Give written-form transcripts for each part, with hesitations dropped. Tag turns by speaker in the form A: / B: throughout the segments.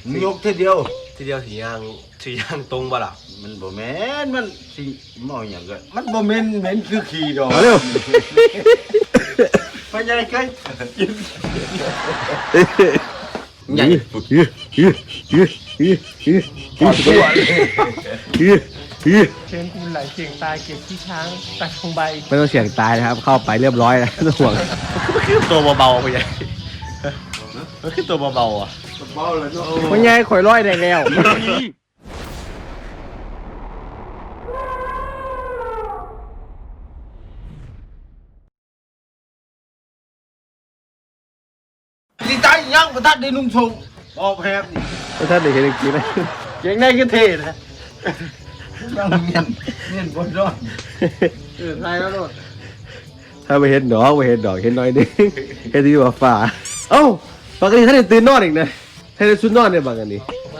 A: ยกทีเดียว
B: สียางตรงบ่ล่ะ
A: มันบ่แม่นมันสิเมาอย่างก็มันบ่แม่นเหม็นคือขี้ดอก
C: เอาเร็ว
A: ไปยังไงกัน
C: ใหญ่ตัวเลย
D: เชิญคุณไหลเสียงตายเก็บที่ช้างตัดทองใบ
C: ไม่ต้องเสี่ยงตายนะครับเข้าไปเรียบร้อยแล้วไม่ต้องห่วง
B: มันคือตัวเบาๆไปยังมันคือตัวเบาๆอ่ะ
A: เมาเลยเนาะ
C: มันไงข่อยร้อยได้แล้ว
A: สิตายยังบ่ทันได้นุ่งทรงบ่แพบนี่
C: ท่านได้เห็นจริงๆนะ
A: เก่งได้ก็เท่นะยังเงียนบ่รอดทายแล้วโลด
C: ถ้าไม่เห็นดอกไม่เห็นดอกเห็นน้อยนึงเห็นที่ว่าฝ่าเอ้าปกติท่านได้ตื่นนอนอีกนะท่านได้ชุดนอนเนี่ยบางอันนี้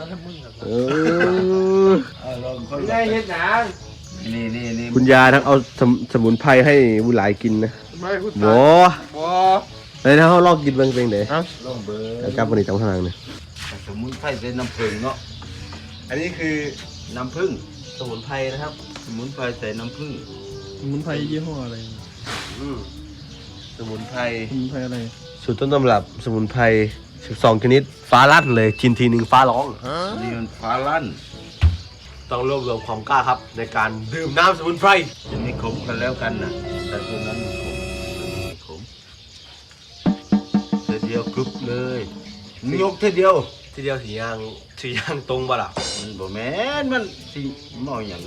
A: ลองคน
D: ได้เห็นหนัง
A: นี่
C: คุณยาทั้งเอาสมุนไพรให้บุหลายกินนะ
D: ไม่คุณ
C: โว้
D: บ่
C: เลยนะเขาลองกินเบิ่งเป็นไง
A: ลองเบอ
C: แล้ว
A: ร์
C: จับวันนี้จับข้างล่างเนี่ย
A: สมุนไพรใส่น้ำผึ้งเนาะ
B: อันนี้คือ
A: น้ำผึ้ง
B: สมุนไพรนะครับ
A: สมุนไพรใส่น้ำผึ้ง
D: สมุนไพรยี่ห้ออะไร
B: สมุนไพร
D: สมุนไพรอะไร
C: สูตรต้นตำรับสมุนไพร12ชนิดฟ้าลั่นเลยกินทีหนึ่งฟ้าร้อง
A: นี่มันฟ้าลั่น
B: ต้องรวบรวมความกล้าครับในการดื่มน้ำสมุนไพร
A: จะไม่ขมกันแล้วกันนะแต่ตัวนั้นมันขมไม่ขมเดียวกรึบเลยยกทีเดียว
B: สียางตรงบ่ล่ะ
A: มันบ่แม่นมันสิเมาอย่างก็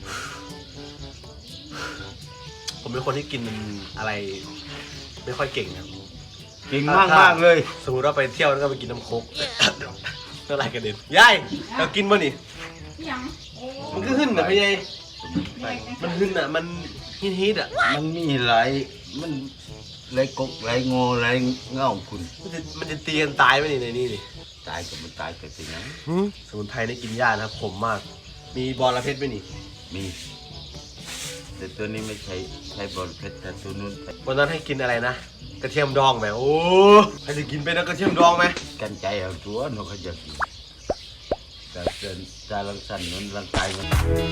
B: ผมเป็นคนที่กินอะไรไม่ค่อยเก่งครับ
A: เก่งมากเลย
B: สมมติว่าไปเที่ยวแล้วก็ไปกินน้ำโค้ก เมื่อไรกระเด็นยายเรากินบ่นี่
E: ยัง
B: มันก็ขึ้นนะพี่ยายมันขึ้นอ่ะมันฮิตอ่ะ
A: มันมีหลายมันหลายกกหลายงอหลายเงาคุณ
B: มันจะตีกันตายไหมนี่ในนี่นี่
A: ตายกับมันตายกับสินะ
B: สมุนไพรนี่กินยากนะครับขมมาก มีบอระเพ็ดไหมนี่
A: มีแต่ตัวนี้ไม่ใช้บอลเพชรแต่ตัวนู้น
B: วันนั้นให้กินอะไรนะกระเทียมดองไหมโอ้ใครจะกินเป็นนะกระเทียมดองไหม
A: กันใจเอาตัวนกเขาจะกินแต่เดินจารังสันนั้นร่างกายมัน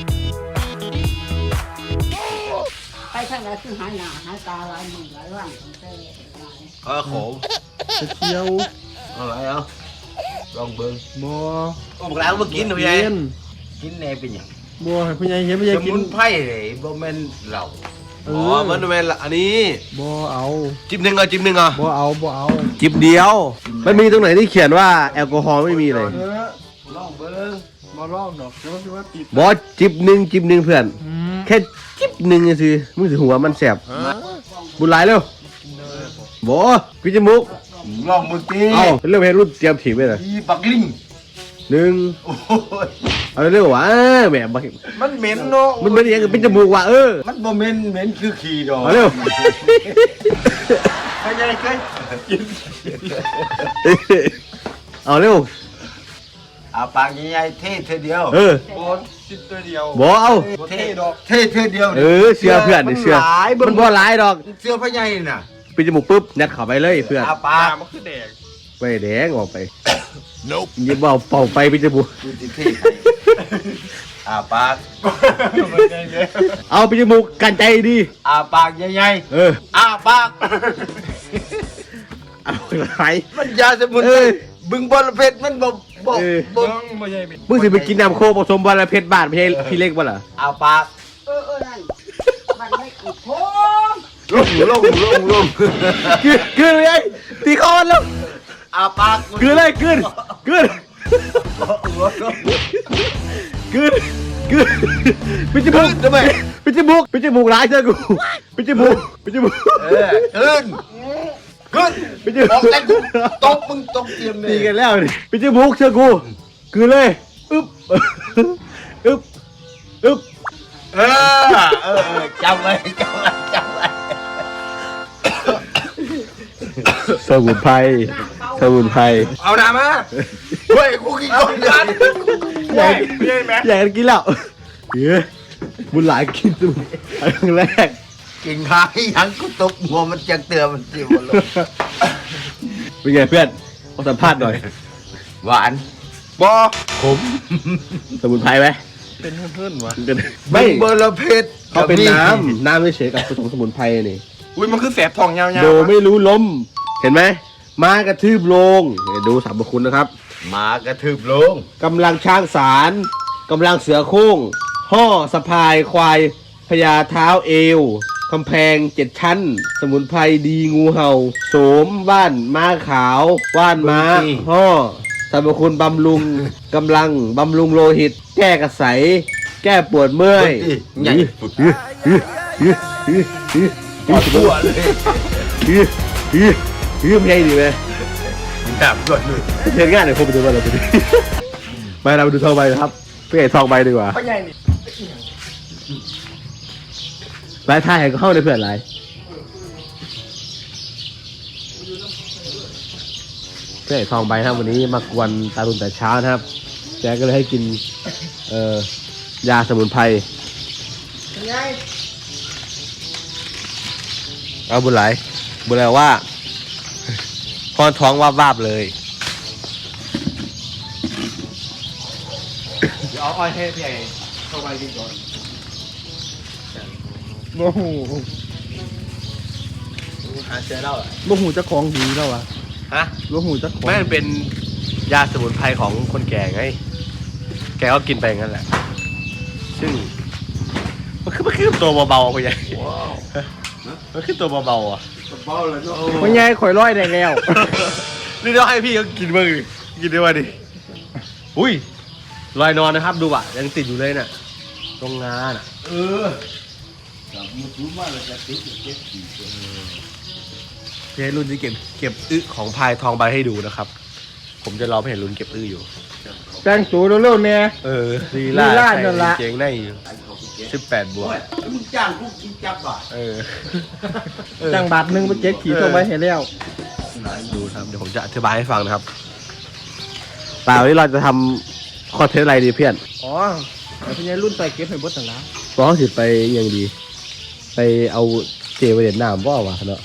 E: ไปทางไหนคือหายหน้าหายตาหลายมือหลายวันของเธอหลาย
B: ขม
D: เที่ยว
A: อะไรเอาลองเบิ้ง
D: บ่
B: โอ้บอกแล้วมากินหนูยาย
A: กินแน่เป็นอย่าง
D: บ่ให้ผู้ใหญ่เห็นผู้ใหญ่
A: ส
D: กิน
A: มุนไพรเลยบ่แม่นเหล้า
B: อ๋อมันเป็นอันนี้
D: บ่เอา
B: จิบหนึ่งอ่ะ
D: บ่เอา
C: จิบเดียวมันมีตรงไหนที่เขียนว่าแอลกอฮอล์ไม่มีเลย
A: ลองเบิ้ง
D: มาลองดอกเดี๋ยวว่าติด
C: บอสจิบหนึ่งเพื่อนแค่จิบหนึ่งสิมึงสิหัวมันแสบบุญหลายเร็วบอสพี่จมูก
A: ลองมือตี
C: เอาเร็วเพรุ่นเตรียมถีบไปเลย
A: อีปักลิง
C: หนึ่ง
A: โอ้ย
C: เอาเร็วๆวะแหมบัก
A: มันเหม็นเนาะ
C: มันเป็นยังไงเป็นจมูกว่ะ
A: มันบ่เหม็นคือขี้ดอก
C: เอาเร็ว
A: ไปยังไงกัน
C: เอาเร็ว
A: อาปากใหญ่ๆเท่เธอเดียว
D: บอลติดตัวเดียว
C: บอเอา
A: เท่ดอกเท่เธอเดียว
C: เสื้อเพื่อนดิเสื้อ
A: หลาย
C: มันบ่หลายดอก
A: เสื้อพญายน่ะ
C: เป็นจมูกปุ๊บยัดเข้าไปเลยเพื่อน
A: อาปาก
D: มันคือแดง
C: ไปแดงออกไปยิบเอาเป่าไปเป็นจมูก
A: ดูสิเท่อาปาก
C: เอาเป็นจมูกกันใจดี
A: อาปากใหญ่ อาปาก
C: เอาไร
A: มันยาสมุนไพรบึงบอลเพชรมันบ่
D: ต้องบ่ใหญ่เป็น
C: มึงสิไปกินน้ำโคผสมบอลเพชรบาทไม่ใช่พี่เล็กบ่ล่ะ
A: อาปาก
E: นั่นมันไม่อุดโพง
A: ลง
C: กืนเลยตีคอนแล้ว
A: อาปาก
C: กืนเลยกืนเป็นจมูกทำไมเป็นจมูกร้ายเจอกูเป็นจมูก
A: ขึ้นออกแต่กูตบมึงตบเตรียมเลย
C: ตีกันแล้วนี่เป็นจมูกเชื่อกูกืนเลยอึ๊บ
A: จำไว้
C: สมุนไพร
A: เอาหน้ามาเฮ้ยกูกินก่อนกัน
C: อยากกินแล้วบุญหลายกินสมุนไพรครั้งแรก
A: กินข้าวยังกูตบหัวมันจังเตือนมันเสียวเลย
C: เป็นไงเพื่อนขอสัมภาษณ์หน่อย
A: หวานบอ
C: ผมสมุนไพรไหม
D: เป็นเพื่อนๆวะ
C: ไม่
A: เบอร์ละเพชร
C: เขาเป็นน้ำไม่เฉยกับผสมสมุนไพรนี่
D: อุ้ยมันคือแสบทองยาวๆ
C: โดไม่รู้ล้ม เห็นไหมม้ากระทืบลงเนี่ยดูสรรพคุณนะครับ
A: หมากระทืบลง
C: กำลังช้างสารกำลังเสือโคร่งห่อสะพายควายพญาเท้าเอวกำแพง7 ชั้น สมุนไพรดีงูเห่าโสมว่านม้าขาวว่านม้าห่อสรรพคุณบำรุงกำลังบำรุงโลหิต แก้กระใสแก้ปวดเมื่อย
A: ใหญ่
C: ปวดตัวเลยไม่ใช่ดีไหม
A: แบบรวดเลย
C: เรียนง่ายเลยผมไปดูว่าเราไปดูไปเราไปดูทองใบนะครับไปเห็นทองใบดีกว่า
D: พ่อใหญ่นี่
C: รายท่ายก็เข้าในเพื่อนไรเพื่อนทองใบนะครับวันนี้มากวนตาตุนแต่เช้านะครับแจ๊ก็เลยให้กินยาสมุนไพรเอาบุญไหลว่าพอท้องวาบๆเลย
B: เดี๋ยวเอาอ้อยให้พี่ใหญ่เข้าไปกินก่อน
D: โอ้โห
B: หาเจอแล้วเหรอ
D: โมหูเจะของดีแล้ววะ
C: ฮะ
D: โมหูเจะของ
C: ไม่มันเป็นยาสมุนไพรของคนแก่ไง แกก็กินไปงั้นแหละ ซึ่งมันคือตัวเบาๆไปใหญ่มันคือตัวเบาๆอ่ะ
A: เบาเลยเนาะ
D: พ่อใหญ่ข่อยร้อยได้แล้ว
C: นี่ต้องให้พี่เขากินบ้างดิกินได้ป่ะดิอุ้ยลอยนอนนะครับดูอ่ะยังติดอยู่เลยน่ะตรงงานอ่ะ
A: เออกับมือถือมาเลยจะติดอยู่เจ็ดสี่ตัว
C: พี่ให้รุ่นที่เก็บอึของพายทองใบให้ดูนะครับ ผมจะรอพี่ให้รุ่นเก็บอึอยู่
D: แต่งตัวเร็วๆเนี่ย
C: ลี
D: ลีลา
C: ลา
D: นั่นละ
C: ใส่กางเกงในอยู่18 บวก
A: โอ้ยมึงจ้างกูกินจับอ่ะ
C: เออ
D: จังบาทหนึ่งไปเจ็ดขี่ส่งไปเห็นแล้ว
C: ดูครับเดี๋ยวผมจะอธิบายให้ฟังนะครับแต่วันนี้เราจะทำคอนเทนต์อะไรดีเพื่อน
D: อ๋อแต่พ่อใหญ่รุ่นใส่เก็บให้บดต่างละ
C: เพราะเขาสิไปยังดี ไปเอาเจไปเด่นน้ำบ่าวะเนาะ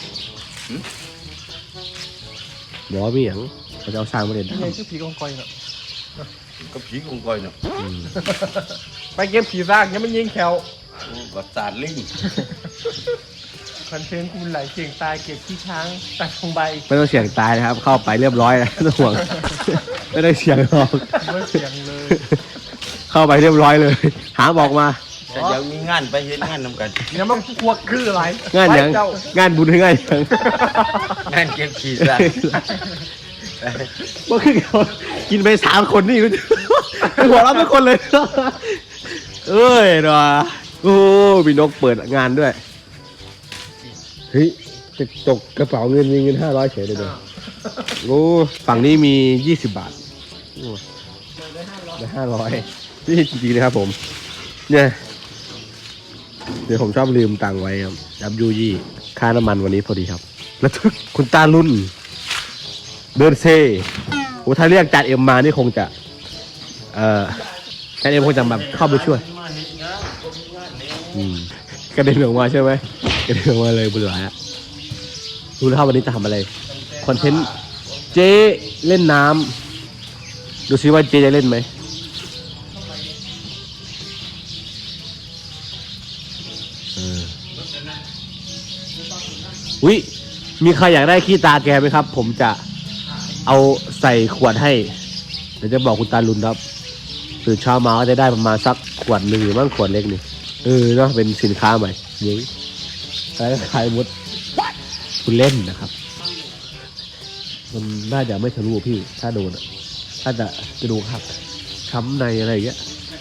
C: หมอมีอย่างเขาจะเอาสร้างมาเด่น
D: พ่อใหญ่
C: น้ำ
D: ชื่อผีกองกอยเนาะ
A: ก็ผีกงกอยเนาะ
D: ไปเก็บผีซากยังไม่ยิงแขว
A: ก็สาดลิง
D: คอนเทนต์คุณไหลเก่งตายเก็บขี้ช้างตัดทองใบ
C: ไม่ต้องเสี่ยงตายนะครับ เข้าไปเรียบร้อยนะไม่ต้องห่วง ไม่ได้เสี่ยงหรอก
D: ไม่เสียงเลย
C: เข้าไปเรียบร้อยเลย หาบอกมา
A: แต่ยังมีงานไปเห็นงานนำกัน
D: เนี่ยมันควักคืออะไร
C: งานหยัง
D: ไปเจ้
C: งานบุญหรืองานหยัง
A: งานเก็บขี้ซะ
C: ว่าคือกินไป3 คนนี่หัวเราะทุกคนเลย เอ้ยเนาะโอ้มีนกเปิดงานด้วย เฮ้ยจะจกกระเป๋าเงินมีเงิน500เฉยเลยเด้อโอ้ฝั่งนี้มี20 บาทโอ้ได้500นี่จริงๆนะครับผม เนี่ยเดี๋ยวผมชอบลืมตังค์ไว้ครับยับยูยี่ค่าน้ำมันวันนี้พอดีครับ แล้วคุณตาลุ่น เดินเซ่โอ้ถ้าเรียกจานเอ็มมานี่คงจะจานเอ็มคงจะแบบเข้าไปช่วยกระเด็นออกมาใช่ไหมกระเด็นออกมาเลยบุญหลายอะรู้แล้ววันนี้จะทำอะไรคอนเทนต์เจ๊เล่นน้ำดูซิว่าเจ๊จะเล่นไหมอุ๊ยมีใครอยากได้ขี้ตาแกไหมครับ ผมจะเอาใส่ขวดให้เดี๋ยวจะบอกคุณตาลุนครับตื่นเช้ามาก็จะได้ประมาณสักขวดหนึ่งหรือมั่งขวดเล็กนี่เนาะเป็นสินค้าใหม่เย้ขายหมดคุณเล่นนะครับ มันน่าจะไม่ทะลุพี่ถ้าโดนถ้าจะกระดูกหักช้ำในอะไรอย่างเงี้ย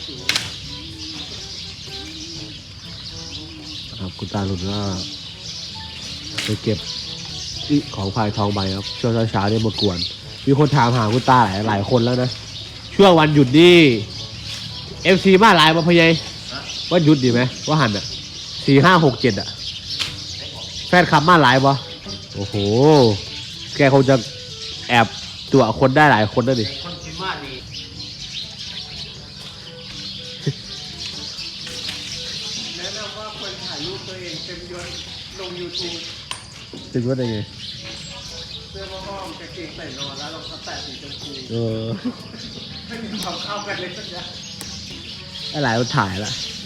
C: ครับคุณตาลุนก็ไปเก็บของพายทองใบครับช่วงเช้าๆเนี่ยมากวนมีคนถามหาคุณตาหลายคนแล้วนะช่วงวันหยุดนี่FC มาหลายมาพยัยว่าหยุดดีไหมว่าหันอ่ะ4 5 6 7อ่ะแฟนคลับมาหลายปะโอ้โหแกคงจะแอบตัวคนได้หลายคนแล้วดิ
A: คนกินมากดี
D: แนะนำว่าควรถ่ายรูปตัวเองเต็มยศลง YouTube
C: ถึงว่าได้ไง
D: เสื้อผ้าอ้อมกางเกงใส่นอนแล้วรองเท้าแตะสีชมพู
C: เอออะไรมันถ่ายละ